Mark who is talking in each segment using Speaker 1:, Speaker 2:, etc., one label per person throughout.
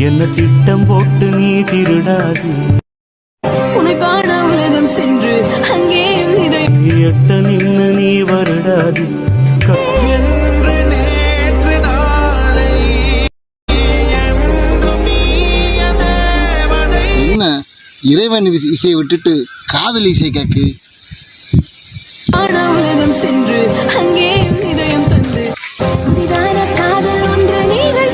Speaker 1: என்ன திட்டம் போட்டு நீ திருடாது
Speaker 2: உனக்கான உலகம் சென்று அங்கே
Speaker 1: எட்ட நின்னு நீ வருடாது
Speaker 3: என்ன இறைவன் இசையை விட்டுட்டு காதல் இசை கேக்கு
Speaker 2: உலகம் சென்று அங்கே இதயம் தந்து காதல் ஒன்று நீங்கள்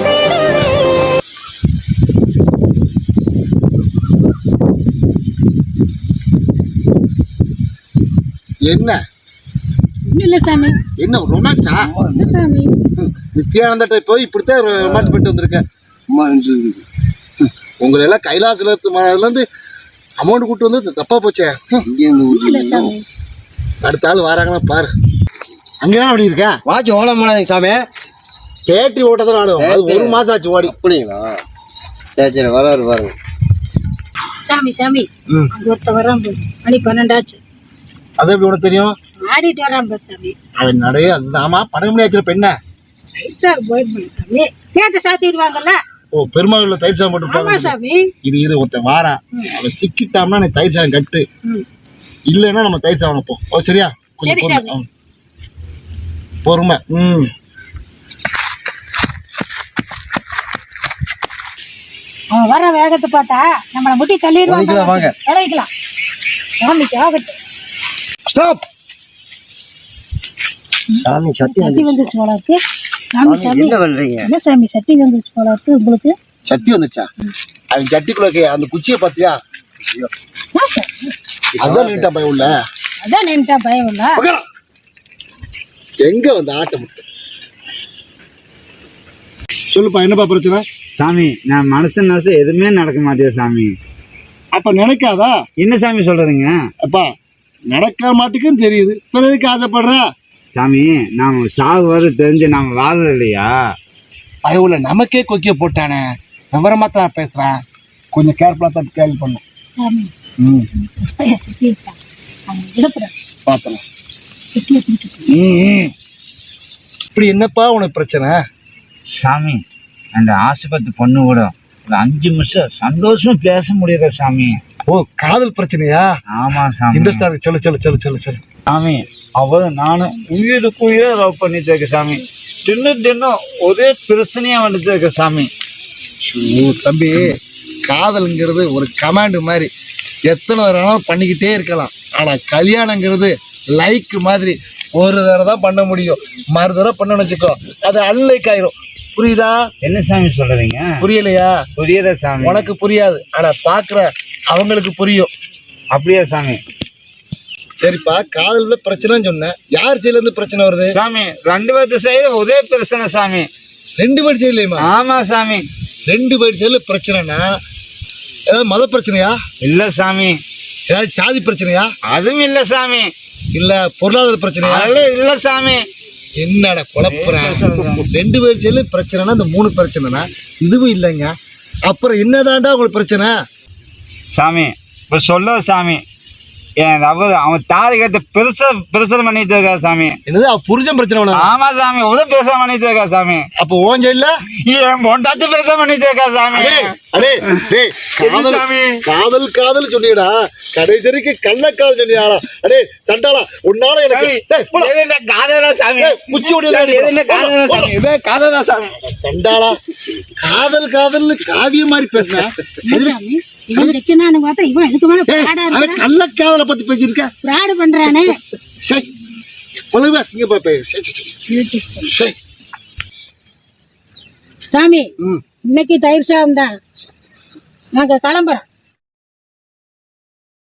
Speaker 3: என்ன
Speaker 2: இல்ல சாமி
Speaker 3: என்ன ரொமான்ஸா
Speaker 2: இல்ல சாமி
Speaker 3: நித்யானந்த போய் இப்படித்தான் ரொமான்ஸ் பண்ணிட்டு வந்திருக்கேன் உங்களை எல்லாம் கைலாசில இருந்து அமௌண்ட் கூட்டு வந்து தப்பா போச்சே அடுத்த ஆள் வராங்கன்னா பாரு அங்கதான் அப்படி இருக்கா
Speaker 4: வாட்ச் ஓலம் பண்ணாதீங்க சாமி
Speaker 3: பேட்டரி ஓட்டதான் ஆடும் அது 1 மாசம் ஆச்சு ஓடி
Speaker 4: அப்படிங்களா சரி சரி வராரு பாருங்க
Speaker 5: சாமி சாமி அங்க ஒருத்த வரான் மணி 12 ஆச்சு
Speaker 3: அது எப்படி உனக்கு தெரியும்
Speaker 5: ஆடிட்டு வரான் பாரு சாமி
Speaker 3: அவன் நிறைய அந்த ஆமா படம் மணி ஆச்சு பெண்ண
Speaker 5: போயிருப்பாங்க சாமி கேட்ட சாத்திடுவாங்கல்ல
Speaker 3: ஓ பெருமாள் தயிர் சாதம் போட்டுருப்பாங்க
Speaker 5: சாமி
Speaker 3: இது ஒருத்தன் வாரான் அவன் சிக்கிட்டான்னா நீ தயிர் சாதம் கட்டு இல்லைன்னா நம்ம தயிர் சாதம் வைப்போம் ஓ சரியா கொஞ்சம் பொறுமை
Speaker 5: அவன் வர வேகத்தை பார்த்தா நம்மளை முட்டி தள்ளிடுவாங்க
Speaker 4: வாங்க
Speaker 5: விளைக்கலாம் சாமிக்கு ஆகட்டும்
Speaker 4: ஸ்டாப் சாமி சத்தி
Speaker 5: சட்டி வந்துச்சு போலாக்கு சாமி சாமி
Speaker 4: என்ன பண்றீங்க
Speaker 5: என்ன சாமி சட்டி வந்துச்சு போலாக்கு உங்களுக்கு
Speaker 3: சத்தி வந்துச்சா அவன் சட்டிக்குள்ள அந்த குச்சியை பாத்தியா அதான் நீட்டா பயம் இல்ல
Speaker 5: அதான் நேம்டா பயம் இல்ல
Speaker 3: எங்க வந்து ஆட்டம் சொல்லுப்பா என்னப்பா பிரச்சனை
Speaker 6: சாமி நான் மனசு எதுவுமே நடக்க மாட்டேன் சாமி
Speaker 3: அப்ப நினைக்காதா
Speaker 6: என்ன சாமி சொல்றீங்க
Speaker 3: அப்பா நடக்க மாட்டேங்குன்னு தெரியுது பிறகு ஆசைப்படுற
Speaker 6: சாமி நாம சாகு வர தெரிஞ்சு நாம வாழல இல்லையா
Speaker 3: பயவுல நமக்கே கொக்கிய போட்டானே விவரமா தான் பேசுறேன் கொஞ்சம் கேர்ஃபுல்லா தான் கேள்வி பண்ணும்
Speaker 5: சாமி சட்டி
Speaker 3: பார்த்தலாம் இப்படி என்னப்பா உனக்கு பிரச்சனை
Speaker 6: சாமி அந்த ஆஸ்பத்திரி பொண்ணு கூட ஒரு 5 நிமிஷம் சந்தோஷமா பேச முடியல சாமி
Speaker 3: ஓ காதல் பிரச்சனையா
Speaker 6: ஆமா சாமி
Speaker 3: இன்ட்ரெஸ்டா இருக்கு சொல்லு சொல்லு சொல்லு சொல்லு சொல்லு
Speaker 6: சாமி அவ நானும் உயிரை லவ் பண்ணிட்டு இருக்க சாமி தின்னும் ஒரே பிரச்சனையா வந்துட்டு இருக்க சாமி
Speaker 3: தம்பி காதல்ங்கிறது ஒரு கமாண்ட் மாதிரி எத்தனை தடவை பண்ணிக்கிட்டே இருக்கலாம் ஆனா கல்யாணங்கிறது லைக் மாதிரி ஒரு தடவை தான் பண்ண முடியும் மறு தடவை பண்ணணும்னு வச்சுக்கோ அது அன்லைக் ஆயிரும் புரியுதா
Speaker 6: என்ன சாமி சொல்றீங்க
Speaker 3: புரியலையா
Speaker 6: புரியுதா சாமி
Speaker 3: உனக்கு புரியாது ஆனா பாக்குற அவங்களுக்கு புரியும்
Speaker 6: அப்படியா சாமி
Speaker 3: சரிப்பா காதல்ல பிரச்சனைன்னு சொன்னேன் யார் சைடுல இருந்து பிரச்சனை வருது
Speaker 6: சாமி 2 பேர்த்து சைடு ஒரே பிரச்சனை சாமி
Speaker 3: 2 பேர் சைடுலயுமா
Speaker 6: ஆமா சாமி
Speaker 3: 2 பேர் சைடுல பிரச்சனைனா ஏதாவது மத பிரச்சனையா
Speaker 6: இல்ல சாமி
Speaker 3: ஏதாவது சாதி பிரச்சனையா
Speaker 6: அதுவும் இல்ல சாமி
Speaker 3: இல்ல பொருளாதார பிரச்சனையா
Speaker 6: இல்ல சாமி
Speaker 3: என்னடா குழப்பறேன் 2 பேர் சைடுல பிரச்சனைனா இந்த 3 பிரச்சனைனா இதுவும் இல்லைங்க அப்புறம் என்னதான்டா உங்களுக்கு பிரச்சனை
Speaker 6: சாமி இப்ப சொல்ல சாமி என் அவன் தாலி கட்ட பிரச்சனை பண்ணிட்டு இருக்கா சாமி
Speaker 3: என்னது புருஷன் பிரச்சனை
Speaker 6: ஆமா சாமி ஒரு பிரச்சனை பண்ணிட்டு இருக்கா சாமி
Speaker 3: அப்போ ஓன் சைடுல
Speaker 6: என் பொண்டாட்டி பிரச்சனை பண்ணிட்டு இருக்கா சாமி
Speaker 3: காதல் காதல் சொன்னியடா கடைசிக்கு கள்ளக்காதல் சொன்னியாடா அடே சண்டாளா உன்னால எனக்கு
Speaker 6: காதலா சாமி காதலா சாமி
Speaker 3: சண்டாளா காதல் காதல் காவியம் மாதிரி பேசுன கள்ளக்காதலை பத்தி பேசிருக்க
Speaker 5: பண்றானே சாமி இன்னைக்கு தயிர் சாதம் தான் நாங்க கிளம்புறோம்